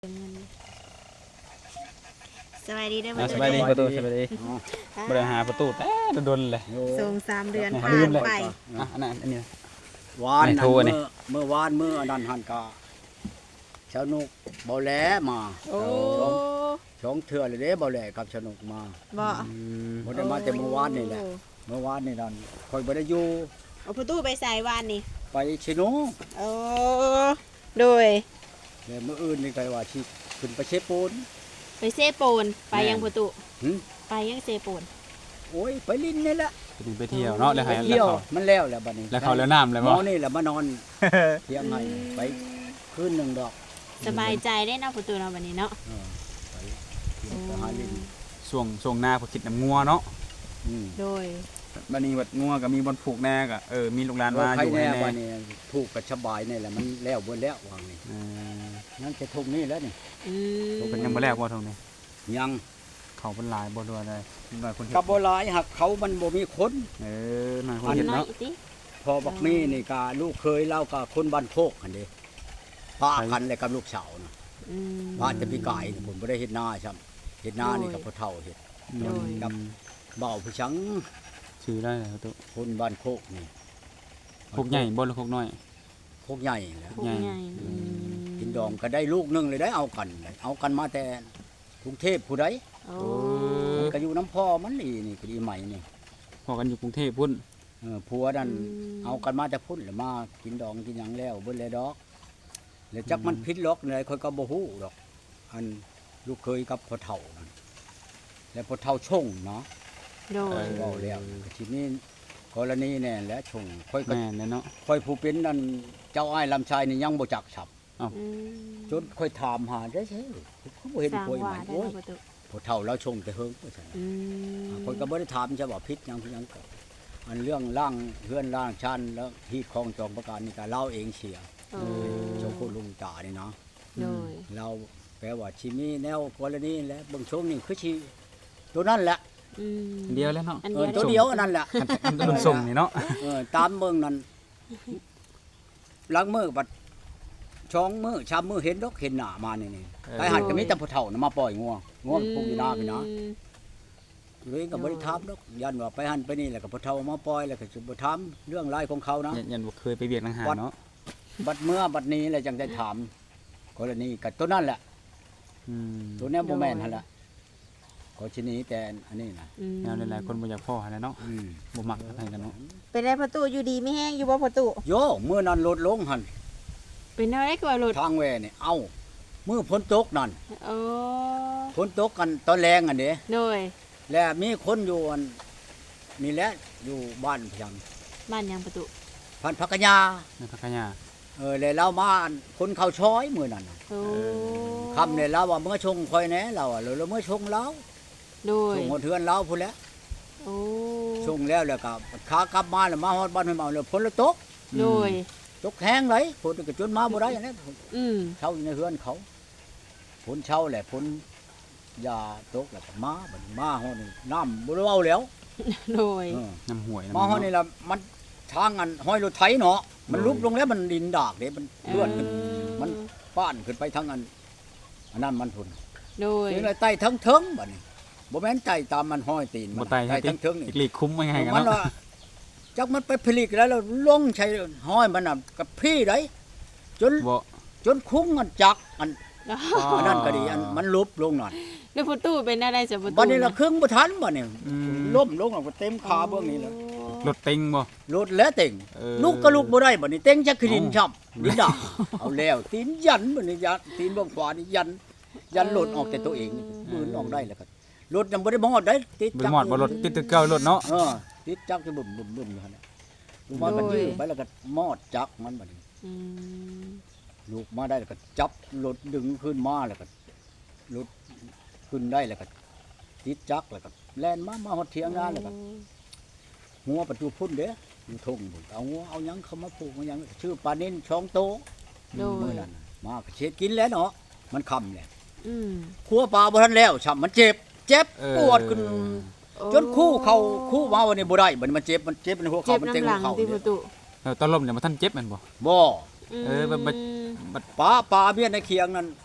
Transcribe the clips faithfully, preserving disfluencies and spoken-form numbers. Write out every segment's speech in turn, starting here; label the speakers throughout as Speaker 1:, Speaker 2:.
Speaker 1: สวัสดีเด้อ
Speaker 2: อ่าสบายดีประตูสบายดี
Speaker 3: อ๋อบ
Speaker 2: ริหารประตูแต่โดนเลย
Speaker 1: ส่งสามเดือน
Speaker 2: เนี่ย
Speaker 1: ผ่า
Speaker 2: ลื
Speaker 1: น
Speaker 2: มเลย
Speaker 1: ไป
Speaker 2: อ่ะอันนั้นอันนี้
Speaker 3: วาน
Speaker 2: ไม่
Speaker 3: นั่น
Speaker 2: โทรนี่
Speaker 3: เมื่อเมื่อวานเมื่ออันนั้นหันกาชาวนุกบ่แลมา
Speaker 1: โอ้
Speaker 3: สองเทื่อเลยเด้บ่แลกับชาวนุกมา
Speaker 1: บ่
Speaker 2: อืม
Speaker 3: บ่ได้มาแต่เมื่อวานนี่แหละเมื่อวานนี่นั่นค่อยบ่ได้อยู่
Speaker 1: เอาประตูไปใส่วานนี่
Speaker 3: ไปชิโน
Speaker 1: โอ้โดย
Speaker 3: แล้วมื้ออื่นนี่ก็ว่าสิขึ้นไปเชฟปูน
Speaker 1: ไปเซโปนไปยังประตู
Speaker 3: หึ
Speaker 1: ไปยังเซโปน
Speaker 3: โอ้ยไปลิ้นนี่แหละ
Speaker 2: ไปเที่ยวเนาะแล้ว
Speaker 3: ไป
Speaker 2: ให้
Speaker 3: เที่ยว
Speaker 2: แล้ว
Speaker 3: มันแล้วแหละบัดนี้
Speaker 2: เขาแล้วเขาแล้วน้ำเลย
Speaker 3: หม
Speaker 2: บ่
Speaker 3: อนี่แหละมานอนเที่ยงให้ไปคืนหนึงดอก
Speaker 1: สบายใจได้เนาะประตูเนาะวันนี้เนาะ
Speaker 3: เออไปเที่ยวไปหาลิ้น
Speaker 2: ช่วงช่วงหน้าพอคิดน้ำงัวเนาะ
Speaker 3: อืม
Speaker 1: โดย
Speaker 2: บัดนี้บัดงัวก็มีบอลผูกแน่ก็เออมีลูกหลานมา
Speaker 3: ว่า
Speaker 2: อ
Speaker 3: ใคร
Speaker 2: ยู่
Speaker 3: แน่
Speaker 2: ให้แน่
Speaker 3: ว่านี่ถูกกับสบายนี่แหละมันแล้วเบ่แล้ววางนี่
Speaker 2: เออ
Speaker 3: นั่นจะทุกนี่แล้วนี่
Speaker 1: อืม
Speaker 2: เพิ่นยังบ่แล้วบ่ทงนี้
Speaker 3: ยัง
Speaker 2: เขาเพิ่นหลายบ่ด้วยเลยหน่อยคนเฮ็ด
Speaker 3: กับบ่หลายหักเขามันบ่มีคน
Speaker 2: เออหน่อยคน
Speaker 1: อัน
Speaker 2: เฮ็ด
Speaker 1: น้อย
Speaker 2: เนาะ
Speaker 1: อีกติ
Speaker 3: พอบักมีนี่ก็ลูกเคยเล่ากับคนบ้านโคกหั่นเด้ป้ากันเลยกับลูกสาวน่ะ
Speaker 1: อืม
Speaker 3: ป้าจะพี่กายนี่ผมบ่ได้เฮ็ดนาซ้ํเฮ็ดนานี่กับพ่อเฒ่าเฮ็ด
Speaker 1: โดย
Speaker 3: กับเบาผู้ชัง
Speaker 2: ชื่อได้เลยประตู
Speaker 3: คนบ้านโคกนี่
Speaker 2: พวกใหญ่บ่หรือพวกน้อย
Speaker 3: โคกใหญ่แหล้ว
Speaker 1: พวกใหญ่อืม
Speaker 3: กินดองก็ได้ลูกหนึงเลยได้เอากันเลยเอากันมาแต่กรุงเทพผู้ใด
Speaker 1: โอ้
Speaker 3: มันก็อยู่น้ำพ่อมันนี่นี่ก็ดีใหม่นี่
Speaker 2: พอกันอยู่กรุงเทพพุ่น
Speaker 3: เออผัวนั่นเอากันมาแต่พุ่นแล้วมากินดองกินหยังแล้วเบิ่เลยดอกแล้วจักมันพิษล็อกเลยค่อยก็บ่ฮู้ดอก อันลูกเคยกับพ่อเฒ่านั่นแล้วพ่อเฒ่าชงเนาะ
Speaker 1: โดย
Speaker 3: เว้าแล้วทีนี้กรณีแน่แหละชงค่อยก็
Speaker 2: แม่นเลยเนาะ
Speaker 3: ค่อยผู้เป็นนั่นเจ้าอ้ายลำชายนี่ยังบ่จักฉับ
Speaker 1: อืม
Speaker 3: จนค่อยถามหาได้ใช่เขาบ่เห็น
Speaker 1: สร้าง
Speaker 3: ค่อย
Speaker 1: ว่า
Speaker 3: มัน
Speaker 1: ได้
Speaker 3: โอ้ย
Speaker 1: เนาะประตู
Speaker 3: พ่อเฒ่าแล้วชงแต่เฮิงว่าซั่น
Speaker 1: อืม
Speaker 3: ค่อยก็บ่ได้ถามจะว่าพิษหยังพิษหยังก็อันเรื่องร่างเฮือนร่างชันแล้วที่คลองจองประการนี่ก็เล่าเองเสีย
Speaker 1: โอ้
Speaker 3: เจ้าคุณลุงตานี่เนาะ
Speaker 1: โดย
Speaker 3: เราแปลว่าชีมีแนวกรณีและเบิ่งช่วงนี้คือชีตัวนั่นแหละ
Speaker 1: อืม
Speaker 2: เดียวแล้วเนาะ
Speaker 1: อัน
Speaker 3: เอ
Speaker 1: เดี
Speaker 3: อ
Speaker 1: ยว
Speaker 3: ตัวเดียวอันนั่นแหละ
Speaker 2: อันรุ่นส่งนี่เนาะ
Speaker 3: เออตามเบิ่งนั่นล้างมือบัดช่องมือชามมือเห็นดอกเห็นหน้ามานี่นี่ไปหันก็มีแต่ผู้เฒ่าน่ะมาปล่อยงัวงัวมันพุ่งอยู่หน้าพี่นะ
Speaker 1: อืม
Speaker 3: เลยก็บ่ได้ถามดอกยันว่าไปหันไปนี่แหละก็ผู้เฒ่ามาปล่อยแล้วก็สิบ่ถามเรื่องรายของเขานะ
Speaker 2: ยันยันบ่เคยไปเวียกทางหารเนาะ
Speaker 3: บัดเมื่อบัดนี้แหละจังได้ถามกรณีกับตัวนั่นแหละ
Speaker 2: อืม
Speaker 3: ตัวเนี้ยบ่แม่นหั่นล่ะก็ชนี้แต่อันนี้นะ
Speaker 1: อืม
Speaker 2: แนวหลายๆคนบ่อยากพ่อหั่นแหละเนาะ
Speaker 3: อืม
Speaker 2: บ่มักอะไรกันเนาะ
Speaker 1: เป็นได้ประตูอยู่ดีไม่แห้งอยู่บ่ประตู
Speaker 3: โยเมื่อนั้นลดลงหั่น
Speaker 1: เป็นอะไรกว่ารถ
Speaker 3: ทางแวนี่เอ้ามื้อฝนตกนั่น
Speaker 1: โอ้
Speaker 3: ฝนตกกันตอนแรงอันเด้
Speaker 1: โดย
Speaker 3: และมีคนอยู่อันนี่แหละอยู่บ้านเพียง
Speaker 1: บ้านยังประตู
Speaker 3: พันพักกะยา
Speaker 2: ในพักยา
Speaker 3: เออแล้วเรามาอันคนเข้าช้อยมื้อนั้นน่ะ
Speaker 1: โอ้
Speaker 3: คำเนี่ยเราว่าเมื่อชงคอยแหน่เราอ่ะเราเมื่อชงเรา
Speaker 1: โดย
Speaker 3: ชงหมดเทือนเราพุ่นแหล้ว
Speaker 1: โอ้
Speaker 3: ชงแล้วแล้วก็ขากลับมาแล้วมาฮอดบ้านห้วยเมาแล้วฝนละตก
Speaker 1: โดย
Speaker 3: ตกแห้งเลยฝนก็จนมาบ่ได้อันนี้
Speaker 1: อืม
Speaker 3: เช่าอยู่ในเฮือนเขาฝนเช่าแหละฝนยาตกแล้วก็มาบัดมาฮอดนี่น้ำบ่ได้เว้าแล้ว
Speaker 1: โดย
Speaker 3: เออ
Speaker 2: น้ำห่วย
Speaker 3: มาฮอดนี่ละมันทางอันห้อยรถไถเนาะมันลุกลงแล้วมันดินดากเด้มันเลื่อนขึ้นมันป้านขึ้นไปทางอันอันนั้นมันพุ่น
Speaker 1: โดย
Speaker 3: ถึงเลยไต่ทั้งเทิงบัดนี้บ่แม่นไต่ตามมันห้อยตีน
Speaker 2: บ่
Speaker 3: มัน
Speaker 2: ไต
Speaker 3: ไต่ทั้งเทิงนี่
Speaker 2: อีกลีกคุ้มไว้ให้กัน
Speaker 3: มัน
Speaker 2: เนาะ
Speaker 3: ว่าจักมันไปผลิตแล้วแล้วลงใช้ห้อยมันน่ะกับพี่ได้จน
Speaker 2: บ่
Speaker 3: จนคุ้งอันจักอัน
Speaker 2: อ๋อ
Speaker 3: อันนั้นก็ดีอันมันลุบลงนั่น
Speaker 1: แล้วประตูเป็นอะไรจ้ะประตู
Speaker 3: บัดนี้ละครึ่งบ่ทันบัดนี้
Speaker 2: อืม
Speaker 3: ล้มลงแล้วก็เต็มขาเบื้องนี้แล้ว
Speaker 2: รถเต็งบ่
Speaker 3: รถแล้วเต็ง
Speaker 2: เออ
Speaker 3: ลูกก็ลูกบ่ได้บัดนี้เต็งจักคือดิน
Speaker 2: เอ้า
Speaker 3: ช้ำดินดาเอาแล้วตีนยันบัดนี้ยันตีนเบื้องขวานี่ยันยันหลุดออกแต่ตัวเองนี่มือนออกได้แล้วก็รถยังบ่ได้มอดได้ติด
Speaker 2: บ่
Speaker 3: จัก
Speaker 2: หมอดบ่รถติดตึกเก่ารถเนาะ
Speaker 3: เออติดจักจะบึ้มบึ้มบึ้มอยู่หั่นน่ะลูกมาก็ยื้อไปแล้วก็มอดจักมันบัดนี้
Speaker 1: อืม
Speaker 3: ลูกมาได้แล้วก็จับรถดึงขึ้นมาแล้วก็รถขึ้นได้แล้วก็ติดจักแล้วก็แล่นมามาฮอดเถียงนาแล้วก็หัวประตูพุ่นเด้อยู่ทุ่งพุ่นเอาหัวเอาหยังเข้ามาปลูกเอาหยังชื่อปลานินช่องโต
Speaker 1: โด
Speaker 3: มื้อย นั้นน่ะมาก็เช็ดกินแล้วเนาะมันค่ำแหละ
Speaker 1: อืม
Speaker 3: ครัวปลาบ่ทันแล้วช้ำมันเจ็บ เจ็บ
Speaker 2: เออ
Speaker 3: ปวดขึ้นจนคู่เข้าคู่มาวันนี้บ่ได้บัดนี้มันเจ็บมันเจ็บในหัว
Speaker 1: เจ็
Speaker 3: เข่า
Speaker 1: บ
Speaker 3: มันเต็ม
Speaker 1: น้ำห
Speaker 3: หั
Speaker 1: ลั
Speaker 3: ว
Speaker 1: ง
Speaker 3: เข่า
Speaker 1: ที่ป
Speaker 3: เนี่
Speaker 1: ระ
Speaker 3: ย
Speaker 1: ตู
Speaker 2: เออตอนลมเนี่ยมันท่านเจ็บแม่นบ่
Speaker 3: บ่
Speaker 2: เออมันมัน
Speaker 3: ปลาปลาเมียในเคียงนั่น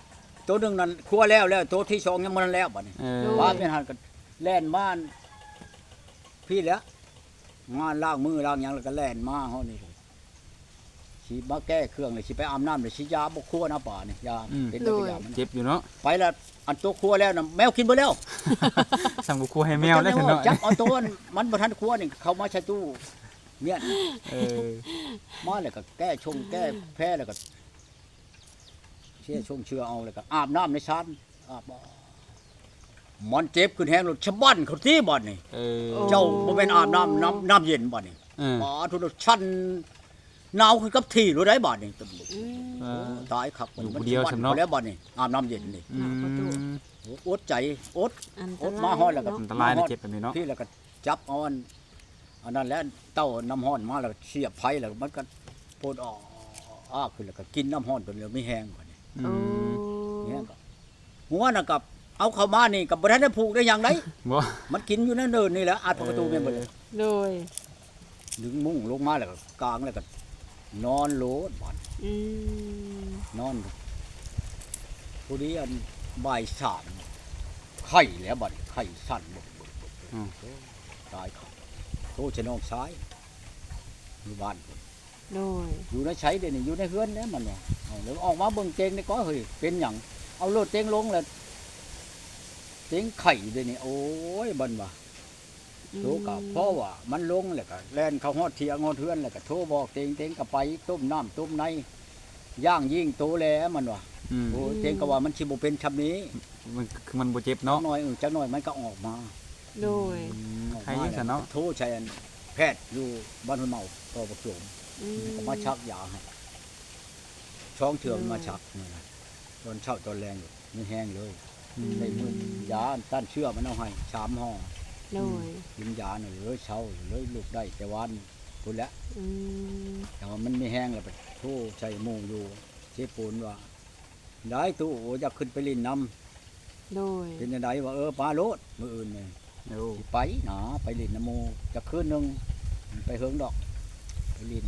Speaker 3: ตัวหนึงนั่นครัวแล้วแล้วตัวที่สองยังบ่ทันแล้วบัดนี้
Speaker 2: เออ
Speaker 3: ว่าเป็นหันก็แล่นมาพี่แหล้วงานล้างมือล้างหยังแล้วก็แล่นมาเฮานี่สิมาแก้เครื่องเลยสิไปอาบน้ำเลยสิยาบ่ครัวนะป่านี่ยาเป็นตัวอย่างมัน
Speaker 2: เจ็บอยู่เนาะ
Speaker 3: ไปแล้วอันตัวครัวแล้วน่ะแมวกินเบ่แล้ว
Speaker 2: สั่งกูครัวให้แมวได้ถึงเนาะ
Speaker 3: จับเอาตัวมันมันบ่ทันครัวนี่เข้ามาใช้ตู้เนี่ย
Speaker 2: เออ
Speaker 3: มาแล้วก็แก้ชงแก้แพ้แล้วก็เชี่ยชงเชื่อเอาแล้วก็อาบน้ำในชานอาบบ่มันเจ็บขึ้นแฮงรถชะบั้นเขาที่บ่นี่
Speaker 2: เออ
Speaker 3: เจ้าบ่แม่นอาบน้ำน้ำน้ำเย็นบ่นี่
Speaker 2: เออ
Speaker 3: อ๋อทุกชั้นหนาวขึ้นกับที่รู้ได้บ่นี่
Speaker 1: อืม
Speaker 2: เออ
Speaker 3: ตายครับ
Speaker 2: อยู่ผู้เดียว
Speaker 3: มั
Speaker 2: สำเนาะ
Speaker 3: แล้วบ่นี่อาบน้ำเย็นนี่
Speaker 2: อืม
Speaker 3: อดใจอด
Speaker 1: อันต
Speaker 3: อด
Speaker 1: ราย
Speaker 3: มาฮอดแล้วก็
Speaker 1: เนาะ
Speaker 2: อันตรายนะเจ็บแบบนี้เนาะ
Speaker 3: พี่แล้วก็จับเอาอันอันนั้นแล้วเต้าน้ำร้อนมาแล้วก็เสียบไผแล้วมันก็โพดออกอ้าขึ้นแล้วก็กินน้ำร้อนจนเหลือไม่แห้งกว่านี้
Speaker 2: อื
Speaker 1: โอ้
Speaker 2: ม
Speaker 3: เนี่ยก็หัวน่ะกับเอาเข้ามานี่กับบ่ทันได้ผูกได้อย่างได
Speaker 2: บ่
Speaker 3: มันกินอยู่นั่นเดินนี่แหละอาดประตูแม่นบ่เลย
Speaker 1: โดย
Speaker 3: ดึงมุ้งลงมาแล้วก็กางแล้วก็นอนโลดบ่อน
Speaker 1: อืม
Speaker 3: นอนผู้นี้อันบ่ายสามไข่แล้วบ่อนไข่สั่นบ่
Speaker 2: อืม
Speaker 3: ตายครับโตชะนองซ้ายอยู่บ้าน
Speaker 1: โดย
Speaker 3: อยู่ในใช้เดี๋ยวนี้อยู่ในเฮือนเนี่ยมันว่าเอาแล้วออกมาเบิ่งเจงนี่ก็เฮ้ยเป็นหยังเอาโลดเจงลงแล้วเจงไข่เดี๋ยวนี้โอ้ยบันว่า โทรกับเพราะว่ามันลงแล้วก็แล่นเข้าฮอดเทียงฮอดเทือนแล้วก็โทรบอกเต็งเต็งก็ไปต้มน้ำต้มในย่างยิ่งโตแล้วมันว่า
Speaker 2: อืม
Speaker 3: โอ้เต็งก็ว่ามันสิบ่เป็นชำนี้
Speaker 2: มันคือมันบ่เจ็บ
Speaker 3: จั
Speaker 2: เนาะ
Speaker 3: กหน่อยเออจักหน่อยมันก็ออกมา
Speaker 1: โดย
Speaker 2: อืม
Speaker 3: ออก
Speaker 2: ใคร
Speaker 3: มา
Speaker 2: ยังซั่นเนาะ
Speaker 3: โทรใช้อันแพทย์อยู่บ้านห้วยเมาต่อประจวบ
Speaker 1: อืม
Speaker 3: ก็มาชักยาให้ช่องเถื่อมมาชักนี่นะตอนเช้าตอนแรงอยู่มันแห้งเลย
Speaker 2: อืม
Speaker 3: ในมือยาต้านเชื้อมันเอาให้สามห่อ
Speaker 1: โดย
Speaker 3: กินยาหน่อยเลยเช้าเลยลูกได้แต่วันพุ่นแหละ
Speaker 1: อืม
Speaker 3: แต่ว่ามันไม่แห้งแล้วไปโทษใส่หมูอยู่เชฟปูนว่าได้ตู้โอจะขึ้นไปลินน้
Speaker 1: โดย
Speaker 3: ำเป็นยังไงว่าเออปลาโลดมืออื่นเนี่ย
Speaker 2: โอ้
Speaker 3: สิไปหนาไปลินน้ำหมูจะคืนหนึงไปเฮิงดอกไปลิน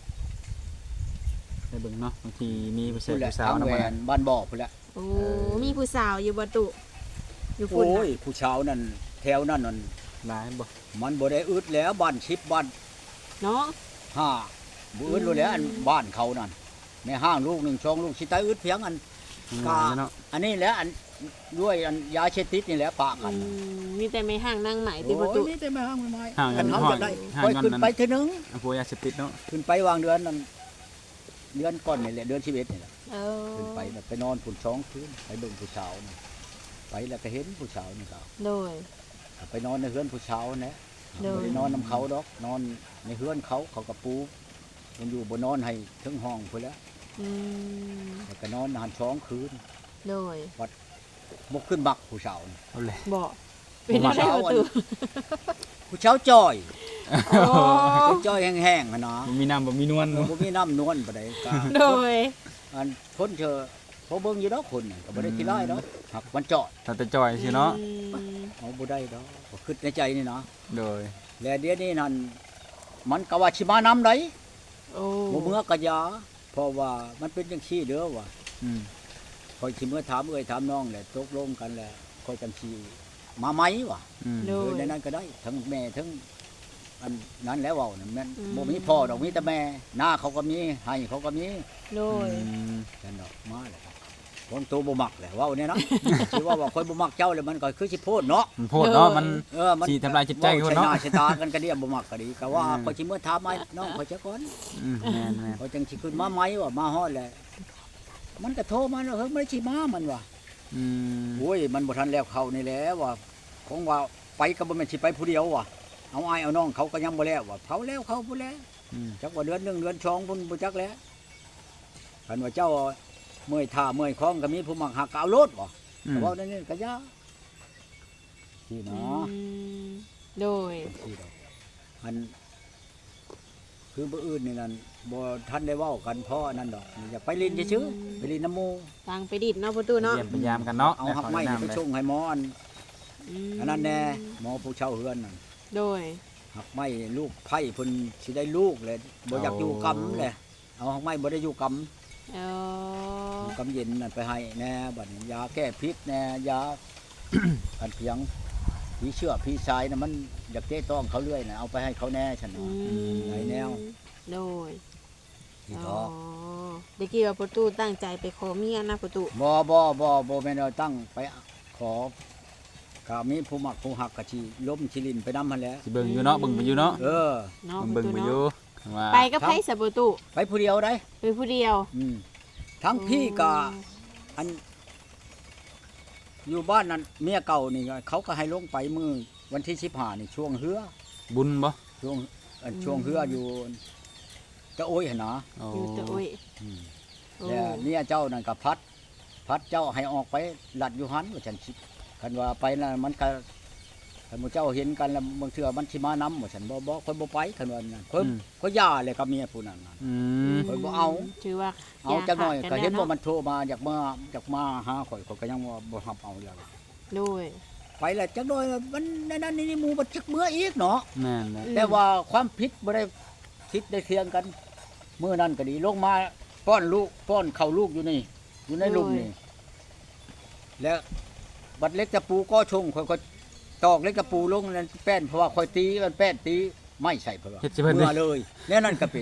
Speaker 2: ได้เบิ่งเนาะบางทีมีผู้ชาย
Speaker 3: พุ่นแหละ
Speaker 2: ผู้สาว
Speaker 3: ทาง
Speaker 2: นำ
Speaker 3: แหว
Speaker 2: มาน
Speaker 3: บ้านบ่อพุ่นแหละ
Speaker 1: โอ้มีผู้สาวอยู่บ่ตุอยู่พุ่น
Speaker 3: โอ้ย
Speaker 1: น่ะ
Speaker 3: ผู้ชาวนั่นแถวนั่นนั่น
Speaker 2: หลายบ่
Speaker 3: มันบ่ได้อึดแล้วบ้านชิบบ้าน
Speaker 1: เนาะ
Speaker 3: ห้าบ่อึดรู้แล้วอันบ้านเขานั่นในห้างลูกหนึ่งช่องลูกชิตายอึดเพียงอัน
Speaker 2: หลายเนาะ
Speaker 3: อันนี้แหละอันด้วยอันยาเชติดนี่แหละปะกั
Speaker 1: อื
Speaker 3: น
Speaker 1: มมีแต่ไม่ห่างนางไหมที่
Speaker 3: โอ้
Speaker 1: บ่ตุ
Speaker 3: ยนี่แต่ไม่ห้างไม่ไม้
Speaker 2: ห่างกั
Speaker 3: กัน
Speaker 2: น
Speaker 3: เขา
Speaker 2: ห้อย
Speaker 3: จะได้
Speaker 2: ห่าง
Speaker 3: ค่อย
Speaker 2: กัน
Speaker 3: ขึ้น
Speaker 2: นั่น
Speaker 3: ไปเทีนึง
Speaker 2: อันพวกยาเสพติดเนาะ
Speaker 3: ขึ้นไปวางเดือนนั่นเดือนก่อนนี่แหละเดือนชีวิตนี่แหละ
Speaker 1: เออ
Speaker 3: ขึ้นไปแบบไปนอนฝุ่นช้องคืนไปเบิ่งผู้สาวนี่ไปแล้วก็เห็นผู้สาวนี่ก็
Speaker 1: โดย
Speaker 3: ไปนอนในเฮือนผู้สาวนะ
Speaker 1: โดย
Speaker 3: บ่ได้นอนนํเขาดอก นอนในเฮือนเขาเขาก็ปูมันอยู่บ่นอนให้ถึงห้องพุ่นแหล้ว
Speaker 1: อืม
Speaker 3: แล้วก็นอนหันช้องคืน
Speaker 1: โดย
Speaker 3: บ่ขึ้นบักผู้สาวนี่
Speaker 2: เอาเลย
Speaker 1: บ่เป็นอะไรบ่ตุ
Speaker 3: ผู้สาวจ้อย
Speaker 1: โอ้
Speaker 3: จ้อยแห้งๆหั่นนะ
Speaker 2: บ่มีน้ำบ่มีนวล
Speaker 3: เออ
Speaker 2: เนาะ
Speaker 3: บ่มีน้ำนวลปานใดก็
Speaker 1: โดย
Speaker 3: อันคนเชอพอเบิ่งอยู่ดอกคนน่ะก็บ่ได้ขี้ร้ายดอกหักมันจอด
Speaker 2: แต่แต่จ่อยสิเนาะ
Speaker 1: อืม
Speaker 3: เอาบ่ได้ดอกก็คิดในใจนี่นะ
Speaker 2: โดย
Speaker 3: แล้วเดี๋ยวนี้นั่นมันก็ว่าสิมานำได้
Speaker 1: โอ้
Speaker 3: บ่เมื่อก็อยาเพราะว่ามันเป็นจังซี่เด้อว่า
Speaker 2: อืม
Speaker 3: ค่อยสิเมื่อถามเอ้ยถามน้องแหละตกลงกันแล้วค่อยจังสิมาไหมวะ
Speaker 2: อืม
Speaker 1: โด
Speaker 3: เอย อในนั้นก็ได้ ทั้งแม่ทั้งอันนั้นแล้วเว้านั่นแม่น
Speaker 1: อืม
Speaker 3: บ่มีพ่อดอกมีแต่แม่หน้าเขาก็มีให้เขาก็มี
Speaker 1: โดย
Speaker 2: อืม
Speaker 3: นั่นดอกมาแล้วคนโตบ่มักแหละเว้าเนี่ยเนาะ สิว่าว่าค่อยบ่มักเจ้าแล้วมันก็คือสิโพดเนาะ
Speaker 2: มันโพดเนาะมัน
Speaker 3: เออมัน
Speaker 2: สิทำลายจิตใจคนเนาะ
Speaker 3: ว้ใส่หน้าใส่ตากันก็เดียบ่มักก็ดีก็ว่า
Speaker 2: อืม
Speaker 3: ค่อยสิเมื่อถามไหมน้องค่อยจะก่อน
Speaker 2: อืมแม่นแม่น
Speaker 3: เขาจังสิขึ้นมาไหมว่ามาฮอดแล้วมันก็โทรมาแล้วเฮ้ยไม่ได้สิมามันว่า
Speaker 2: อืม
Speaker 3: โอ้ยมันบ่ทันแล้วเขานี่แหละว่าของว่าไปก็บ่แม่นสิไปผู้เดียวว่ะเอาอ้ายเอาน้องเขาก็ยังบ่แล้วว่าเผาแล้วเขาพุ่นแล้ว
Speaker 2: อืม
Speaker 3: จักว่าเดือนหนึงเดือนสองพุ่นบ่จักแล้วคันว่าเจ้าเมื่อยท่าเมื่อยคล้องก็มีผู้มักหักก็เอารถบ่
Speaker 2: อื
Speaker 3: แต่
Speaker 2: ม
Speaker 3: ว่านั่นนี่ก็ยาที่
Speaker 1: อื
Speaker 3: เนาะ
Speaker 1: มโดย
Speaker 3: ที่ดอกอันคือบ่อื่นนี่นั่นบ่ทันได้เว้ากันเพราะอันนั้นดอกอยากไปลินซื่อๆไปลินน้ำหมู่
Speaker 1: ทางไปดิดเนาะประตูเนาะ
Speaker 2: เยี่ยมพยายามกันเนาะ
Speaker 3: เอาหักไม้นี่ไปชงให้หมออัน
Speaker 1: ม
Speaker 3: อันนั้นแน่หมอผู้เช่าเฮือนนั่น
Speaker 1: โดย
Speaker 3: หักไม้ลูกไผ่เพิ่นสิได้ลูกเลยบ่อยากอยู่กำเลยเอาหักไม้บ่ได้อยู่ก
Speaker 1: เออ
Speaker 3: กำเย็นนั่นไปให้แน่บัดนี้ยาแก้พิษแน่ยา อันเพียงผีเชื่อผีสายน่ะมันอยากเตะต้องเขาเรื่อยน่ะเอาไปให้เขาแน่ฉัน
Speaker 1: อื
Speaker 3: เนาะ
Speaker 1: ม
Speaker 3: ไหนแนว
Speaker 1: โดย
Speaker 3: ที่
Speaker 1: อ๋
Speaker 3: ท้อ
Speaker 1: อเด็กกี้ว่าประตูตั้งใจไปขอเมียนะประตู
Speaker 3: บ่บ่บ่บ่แม่นเอาตั้งไปขอก็มีผู้มักผู้หักก็สิล้มสิลินไปนำหั่นแหละ
Speaker 2: สิเบิ่งอยู่เนาะเบิ่งไปอยู่เนาะ
Speaker 3: เออ
Speaker 1: เนาะ
Speaker 2: เบิ่ง
Speaker 1: ประ
Speaker 2: ไป
Speaker 1: ตู
Speaker 2: อยู่
Speaker 1: เนาะ
Speaker 2: ว่า
Speaker 1: ไปกับไผสะประตู
Speaker 3: ไปผู้เดียวได้
Speaker 1: ไปผู้เดียว
Speaker 3: อืมทั้งพี่ก็อันอยู่บ้านนั้นเมียเก่านี่ก็เขาก็ให้ลงไปมื้อวันที่สิบห้านี่ช่วงเฮือ
Speaker 2: บุญบ่
Speaker 3: ช่วงอันช่วงเฮืออยู่จะโอ้ยหั่นนะ
Speaker 2: โอ้
Speaker 1: อยู่ตะโอ้ย
Speaker 3: อืม
Speaker 1: โอ้
Speaker 3: แล้วเนี่ยเจ้านั่นก็พัด พัดเจ้าให้ออกไปลัดอยู่หันว่าฉันคิดคันว่าไปน่ะมันก็คันหมู่เจ้าเห็นกันแล้วบางเทื่อมันสิมานำว่าฉันบ่บ่คนบ่ไปคันว่านั่นเพิ่นก็ย่าเลยกับเมียผู้นั้นน่ะ
Speaker 2: อืม
Speaker 3: ข่อยบ่เอา
Speaker 1: ถือว่า
Speaker 3: เอาจักหน่อย
Speaker 1: ขาด
Speaker 3: ก็เห็น
Speaker 1: แล้ว
Speaker 3: ว่า
Speaker 1: เนาะ
Speaker 3: มันโทรมาอยากมาอยากมาหาข่อยข่อยก็ยังว่าบ่รับเอาแล้ว
Speaker 1: โดย
Speaker 3: ไปแล้วจักหน่อยมันในนั้นนี่หมู่บ่จักเมื่ออีกเนาะ
Speaker 2: แม่นแหละ
Speaker 3: แต่ว่าความผิดบ่ได้คิดได้เทียงกันมื้อนั้นก็ดีลงมาป้อนลูกป้อนเข้าลูกอยู่นี่ อยู่ในหลุมนี่แล้วบัดเล็กตะปูก็ชงข่อยก็ตอกเล็กตะปูลงนั่นแป้นเพราะว่าข่อยตีมันแป้นตีไม่ใส่เพิ่นว่า
Speaker 2: เฮ็ดสิเพิ่น
Speaker 3: เมื่อเลยแล้วนั่นก็เป็น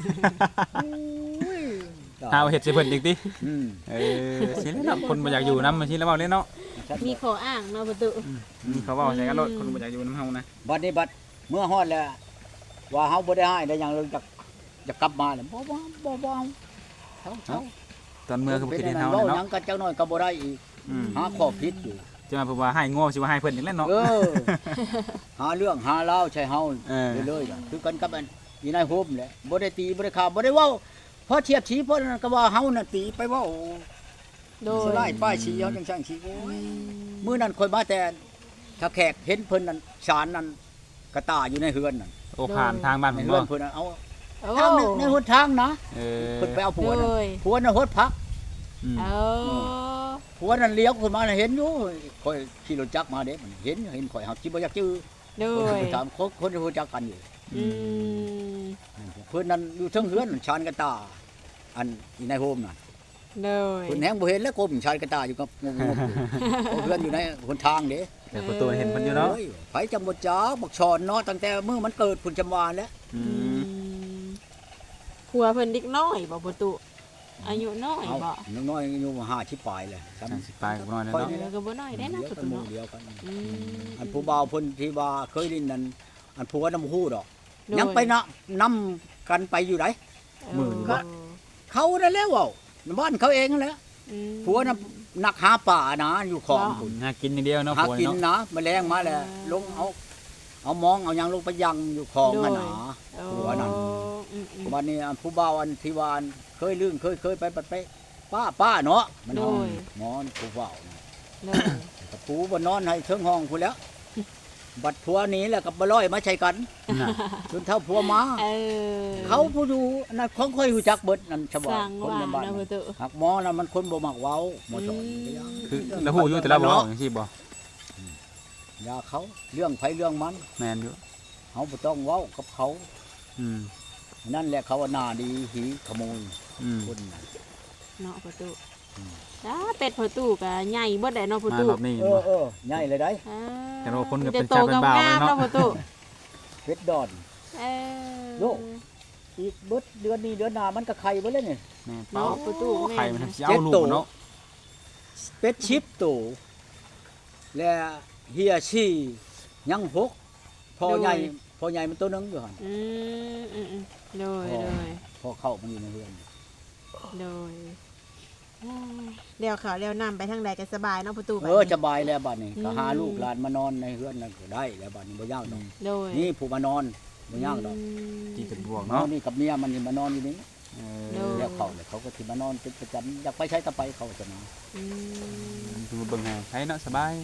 Speaker 2: หาว่าเฮ็ดสิเพิ่นอีกติ
Speaker 3: อืม
Speaker 2: เออสิแล้วเนาะคนบ่อยากอยู่นำมันสิแล้วเว้าเลยเนาะ
Speaker 1: มีขออ้างเนาะประตู
Speaker 2: มีเขาเว้าใส่กันรถคนบ่อยากอยู่นำเฮานะ
Speaker 3: บัดนี้บัดเมื่อฮอดแล้วว่าเฮาบ่ได้ให้ได้หยังเลยจะจะกลับมาแล้วบ่บ่บ่บ่เอาเฮาเฮา
Speaker 2: ตอนเมื่อคือบ่คิดเห็นเฮา
Speaker 3: เว้า
Speaker 2: เลย
Speaker 3: หยั
Speaker 2: เนาะ
Speaker 3: งกันจักหน่อยก็บ่ได้อีก
Speaker 2: อืม
Speaker 3: หาข้อผิดอยู่
Speaker 2: จะมาเพิ่นว่าให้โง่สิว่าให้เพิ่นอีกแล้วเนาะ
Speaker 3: เออ หาเรื่องหาราวใช่เฮา
Speaker 2: เออ
Speaker 3: เรื่อยๆคือกันกับอันอีนายโฮมแหละบ่ได้ตีบ่ได้ฆ่าบ่ได้เว้าพอเทียบชี้เพราะนั้นก็ว่าเฮาน่ะตีไปเว้า
Speaker 1: โดย
Speaker 3: สลายป้ายชี้เฮาจังซั่นชี้โอ้ยมื้อนั้นข่อยมาแต่ถ้าแขกเห็นเพิ่นนั่นศาลนั่นกระตาอยู่ในเฮือนนั่น
Speaker 2: โอ้ผ่านทางบ้าน
Speaker 3: ใน
Speaker 2: ผม
Speaker 3: เฮื
Speaker 2: บ่
Speaker 3: อนเพิ่นน่ะเอา
Speaker 1: โอ้
Speaker 3: ทางในในหนทางนะ
Speaker 2: เออ
Speaker 3: เพิ่นไปเอาผัว
Speaker 1: โด
Speaker 3: น่ะ
Speaker 1: ย
Speaker 3: ผัวน่ะโหดพัก
Speaker 2: อืม
Speaker 1: เอา
Speaker 3: ผัวนั่นเลี้ยวขึ้นมาน่ะเห็นอยู่ข่อยขี่รถจักรมาเด้มันเห็นเห็นข่อยเฮาสิบ่อยากจื้อ
Speaker 1: โด
Speaker 3: คน
Speaker 1: ย
Speaker 3: ไปถามคนคนที่รู้จักกันอยู่
Speaker 1: อืม
Speaker 3: เพิ่นนั่นอยู่เทิงเฮือนชานกระตา อันอีนายโฮมน่ะ
Speaker 1: โดย
Speaker 3: เพิ่นแฮงบ่เห็นแล้วกบชานกระตาอยู่กับงงๆอยู่เพราะเฮือนอยู่ในหนทางเด้
Speaker 2: แต่ประตูเห็นเพิ่นอยู่เนาะ
Speaker 3: โอ้ยไผจำบ่จักบักชอนเนาะตั้งแต่มื้อมันเกิดพุ่นจำวานแล้ว
Speaker 2: อื
Speaker 1: อื
Speaker 2: ม
Speaker 1: มผัวเพิ่นเด็กน้อยบ่ประตูอายุน้อย
Speaker 3: เอา
Speaker 1: บ่
Speaker 3: น้อยๆอยู่ห้าสิบปลายเลย
Speaker 2: สามสิบปลายกับน้อยแล้ว
Speaker 3: ค่อย
Speaker 2: เนาะ
Speaker 3: นี่
Speaker 1: เออก็บ่น้อยได้นะ
Speaker 3: เดียว
Speaker 1: ประ
Speaker 3: กัน
Speaker 1: ตู
Speaker 3: หมู่
Speaker 1: เนาะ
Speaker 3: เดียวกัน
Speaker 1: อืม
Speaker 3: อันผู้บ่าวเพิ่นที่ว่าเคยลิ้นนั่นอันผัวน้ำฮู้ดอก
Speaker 1: โดย
Speaker 3: ยังไปนะนํกันไปอยู่ไหน
Speaker 1: เ
Speaker 2: มื้อนี้บ่
Speaker 3: เขานั่นแหล้วเว้าบ้านเขาเองนั่นแหละ
Speaker 1: อืม
Speaker 3: ผัวน่ะนักหาป่านะอยู่ของ
Speaker 1: เนาะ
Speaker 3: พุ่น
Speaker 2: หากินอย่างเดียวเนาะ
Speaker 3: หา
Speaker 2: ผัว
Speaker 3: กิน
Speaker 2: เนาะ
Speaker 3: นะแมลงมาแล้วลงเอาเอามองเอาหยังลงไปยังอยู่ของนั่นน่ะ
Speaker 1: โอ้
Speaker 3: ผัวนั่น
Speaker 1: อืมอืม
Speaker 3: วันนี้อันผู้บ่าวอันที่ว่าอันเคยลื่นเคยเคยไปไปไปป้าป้าเนาะมันนอนหมอนผู้บ่าวน่ะ
Speaker 1: โดย
Speaker 3: กับผู้บ่นอนให้เทิงห้องพุ่นแล้ว บัดผัวหนี้แล้วกับบ่ร้อยมาใช้กัน
Speaker 2: น่ะ
Speaker 3: จนเท่าผัวมา
Speaker 1: เออ
Speaker 3: เขาผู้อยู่นั่นของค่อยรู้จักเบิดนั่นชาว
Speaker 1: ส
Speaker 3: บ้า
Speaker 1: ร้าน ง
Speaker 3: คน
Speaker 1: ว่า
Speaker 3: ในบ้าน
Speaker 1: นะประตู
Speaker 3: หักหมอนั่นมันคนบ่มักเว้าหมอสอน
Speaker 2: คือแล้วฮู้อยู่แต่ละบ่เว้าจังซี่บ่
Speaker 3: อย่าเขาเรื่องไผเรื่องมัน
Speaker 2: แม่นอยู่
Speaker 3: เฮาบ่ต้องเว้ากับเขา
Speaker 2: อืม
Speaker 3: นั่นแหละเขาว่าหน้าดีหีขโมย
Speaker 2: อืม
Speaker 3: คนน่ะ
Speaker 1: เนาะประตู
Speaker 3: อืม
Speaker 1: จ้าเป็ดประตูก็ใหญ่เบิดได้เนาะประ
Speaker 2: มา
Speaker 1: ตู
Speaker 2: รอบนี้
Speaker 3: เอ
Speaker 2: บ่
Speaker 3: อเออใหญ่เลยได้
Speaker 1: อ่า
Speaker 2: แต่ว่าคนก็เป็น
Speaker 1: จะโต
Speaker 2: ชาวเป็นบ่าว
Speaker 1: งามๆ
Speaker 2: เลยเนาะ
Speaker 1: เนาะประตู
Speaker 3: เพชรดอน
Speaker 1: เออ
Speaker 3: โยก อีกเบิดเดือนนี้เดือนหน้ามันก็ไข่เบิดแล้วนี่
Speaker 2: แม่
Speaker 1: เนาะ
Speaker 2: เป้า
Speaker 1: ประตูแม่
Speaker 2: ไข่มันทำสิเอาลูกเนาะ
Speaker 3: เป็ดชิปโตและเฮียชี่ยังหกพอใหญ่พอใหญ่มันตัวหนึงอยู่หั่น
Speaker 1: อืมอืมอืมโดย
Speaker 3: อ๋อ
Speaker 1: โดย
Speaker 3: พอเข้ามันอยู่ในเรือน
Speaker 1: โดยเดี๋ยวเขาเดี๋ยวนำไปทางใดก็สบายเนาะประตู
Speaker 3: เออสบายแล้วบัดนี้
Speaker 1: อืม
Speaker 3: ก็หาลูกหลานมานอนในเรือนนั่นก็ได้แล้วบัดนี้บ่ยากดอก
Speaker 1: โดย
Speaker 3: นี่ผู้มานอนบ่ยากดอก
Speaker 2: จีเป็นบวก
Speaker 3: เนาะ
Speaker 2: เนาะ
Speaker 3: นี่กับเมียมันนี่มานอนอยู่นี่
Speaker 2: เอ
Speaker 1: โด
Speaker 2: อย
Speaker 3: แล้วเขาเลยเขาก็สิมานอนเป็นประจำอยากไปใช้ตะไปเขาจะมา
Speaker 1: อืม
Speaker 2: ดูเบิ่งให้ใช้เนาะสบาย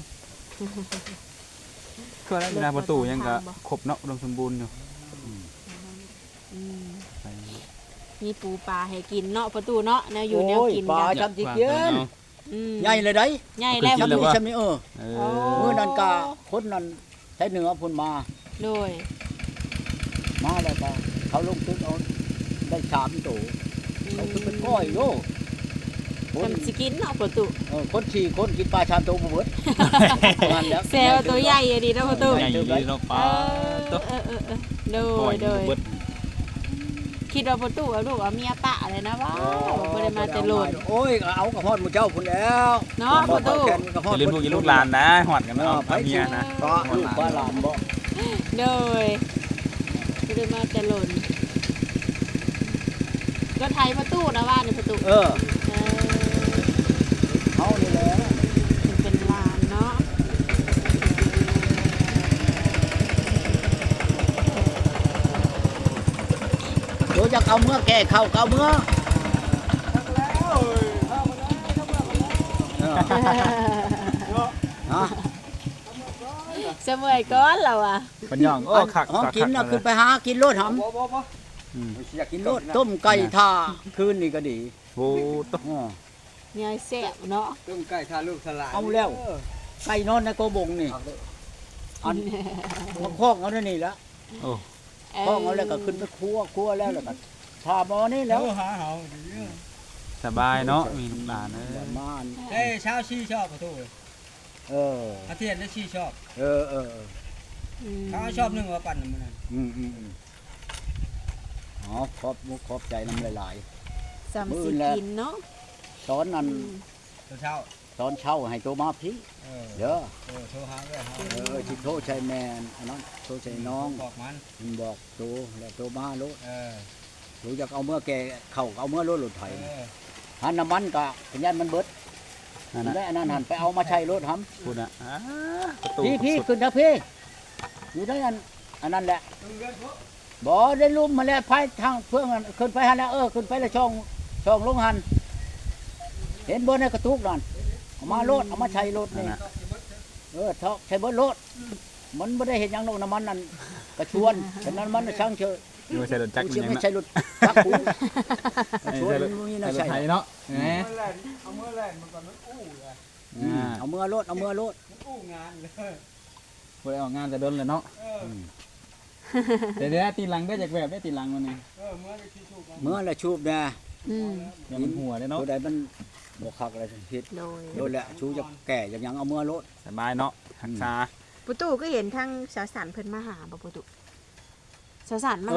Speaker 2: ก็แล้วเวลาประตูยังก็ครบเนาะอุดมสมบูรณ์อยู่
Speaker 1: อืม
Speaker 2: ไป
Speaker 1: มีปูปลาให้กินเนาะประตูเนาะแนวอยู่แนวกิน
Speaker 3: ปลา
Speaker 1: กัน
Speaker 3: จำสิเกียน
Speaker 1: อืม
Speaker 3: ใหญ่เลยได้
Speaker 1: ใหญ่แล้ว
Speaker 2: กิ
Speaker 3: จำ
Speaker 2: นเลย
Speaker 3: นี่
Speaker 2: วะ
Speaker 3: จำนี่เออ
Speaker 2: เอ
Speaker 1: โอ้
Speaker 2: อ
Speaker 3: มื้อนั้นก็คนนั้นใช้เหนือพุ่นมา
Speaker 1: โดย
Speaker 3: มาแล้วก็เขาลงตึกเอาได้สามตัว
Speaker 1: อ
Speaker 3: เขาคือเป็นก้อยโลคน
Speaker 1: จำสิกินเนาะประตู
Speaker 3: เออคนที่คนกินปลาชามโตบ่เบิดประมาณแล้ว
Speaker 1: แซวตัวใหญ่อะดีเนาะประตู
Speaker 2: ใหญ่อยู่ดีเนาะ
Speaker 1: เอ
Speaker 2: ป้า
Speaker 1: อ
Speaker 2: ตัว
Speaker 1: เออเออเออโด
Speaker 2: ปล่อย ย
Speaker 1: โดย
Speaker 2: เบิด
Speaker 1: คิดว่าประตูเอาลูกเอาเมียปะเลยนะว้าวบ่ได้มาแต่โลด
Speaker 3: โอ้ยเอากับฮอดหมู่เจ้าพุ่นแล้ว
Speaker 1: เนาะประตู
Speaker 3: แกนกับฮอ
Speaker 2: จะ
Speaker 3: ด
Speaker 2: เล่นพวกอีลูกหลานนะหอดกันเนาะเอาเมียนะ
Speaker 3: ก็ลูกบ้านหลานบ่
Speaker 1: โดยบ่ได้มาแต่โลดก็ไทยประตูนะว่าในประตู
Speaker 3: เออ
Speaker 1: เออ
Speaker 3: เฮานี่แหละ
Speaker 1: มันเป็นลานเนาะ
Speaker 3: เดี๋ยวจะเอาเมื่อแก่เข้าเอาเมื่อเออฮะ
Speaker 1: เสมอยก้อนเราอ่ะ
Speaker 2: ปัญญองโอ้คัก
Speaker 3: ห้องกินน่ะขึ้นไปหากินโลดหำ
Speaker 4: บ่บ่บ่
Speaker 2: อืม
Speaker 4: อยากกิ
Speaker 3: กิ
Speaker 4: น
Speaker 3: น
Speaker 4: โล
Speaker 3: โล
Speaker 4: ด
Speaker 3: ดต้มไก่ท่าคืนนี่ก็ดี
Speaker 2: โอ้ตัว
Speaker 3: อ้อ
Speaker 1: เนี่ยแซ่บเนาะ
Speaker 4: ต้มไก่ทาลูกสลาย
Speaker 3: เอาแล้ว ไก่นอนในโกบงนี่อันมาคอกเอาได้นี่ละ
Speaker 2: โอ้
Speaker 3: คอกเอาแล้วก็ขึ้นไปครัวครัวแล้วแล้วก็ทาหมอนี่แล้ว
Speaker 4: หาเฮา
Speaker 2: สบายเนาะมีลูกหลานเอ้ย
Speaker 3: มาอัน
Speaker 4: เอ้ยชาวชีชอบประตู
Speaker 3: เออ
Speaker 4: อาเทียนได้ชีชอบ
Speaker 3: เออเออ
Speaker 4: เขาชอบนึงว่าปั่นมื้อนั้น
Speaker 3: อืมอืมอืมอ๋อขอบมุกขอบใจน้ำหลาย
Speaker 1: สามสิกินเนาะ
Speaker 3: ๆตอนนั้น
Speaker 4: ตอนเช้า
Speaker 3: ตอนเช้าให้โตมาพี่
Speaker 4: เออ
Speaker 3: เด้อ
Speaker 4: เออโทรหาด้วยเฮา
Speaker 3: เออที่โทรใช้แมนอันนั้นโทรใช้น้อง
Speaker 4: บอกมัน
Speaker 3: มันบอกโตแล้วโตมาโลด
Speaker 4: เออ
Speaker 3: รู้จักเอาเมื่อแกเข้าเอาเมื่อโลดหลุดไถ
Speaker 4: เออ
Speaker 3: หันน้ำมันกะขยันมันเบิด
Speaker 2: นั่นน่ะ
Speaker 3: ได้อันนั้นหันไปเอามาใช้รถท
Speaker 2: พูดอ่ะอ่าประตู
Speaker 3: ำพี่พี่ขึ้นนะพี่อยู่ได้อันอันนั้นแหละ
Speaker 4: ตึงเดือนพวก
Speaker 3: บ่ได้ลุ่มมาแล้วพายทางเพื่อนกันขึ้นไปหันแล้วเออขึ้นไปแล้วช่องช่องลงหันเห็นบนในกระตุกนั่นเอามาโลดเอามาใช้รถ
Speaker 2: นั่น
Speaker 3: นี่
Speaker 2: น่ะ
Speaker 3: เออเท่าใช้เบิดรถมันไม่ได้เห็นหยังลงน้ำมันนั่นกระชวนฉะนั้นมันช่างเชย
Speaker 2: อยู่ใส่รถจักร
Speaker 3: กู
Speaker 2: มัน
Speaker 3: เชื่อ
Speaker 2: ยัง
Speaker 3: ไม่
Speaker 2: น่ะ
Speaker 3: ใช่รถจักรกูกระชวน
Speaker 2: ใส่รถ
Speaker 3: มันมี
Speaker 2: ใส่
Speaker 3: น่าร
Speaker 2: ถ
Speaker 3: ใช่
Speaker 2: ไทยเนาะแหม
Speaker 4: เอาเมื่อแล่นเอาเมื่อแล่นมันก่อนมันอู้เลย
Speaker 3: อืมเอามือรถเอามือรถ
Speaker 4: มันอู้งานเลย
Speaker 2: บ่ได้ออกงานแต่โดนเลยเนาะ
Speaker 4: เออ
Speaker 3: อืม
Speaker 2: แต่เดี๋ยวตีหลังได้จากแบบได้ตีหลังมันนี่
Speaker 4: เออเมื่อได้ชีชูกัน
Speaker 3: เมื่อละชูบนะ
Speaker 1: อืม
Speaker 2: เดี๋ยวมันหัวเลยเนาะ
Speaker 3: ตัวใดมันบกคักอะไรทั้งพิษ
Speaker 1: โดย
Speaker 3: โดนแหละชูจะแก่ยังยังเอามือรถ
Speaker 2: สบายเนาะหักษา
Speaker 1: ประตูก็เห็นทั้งสาวสันเพิ่นมาหาบ่ประตูสาวสันมา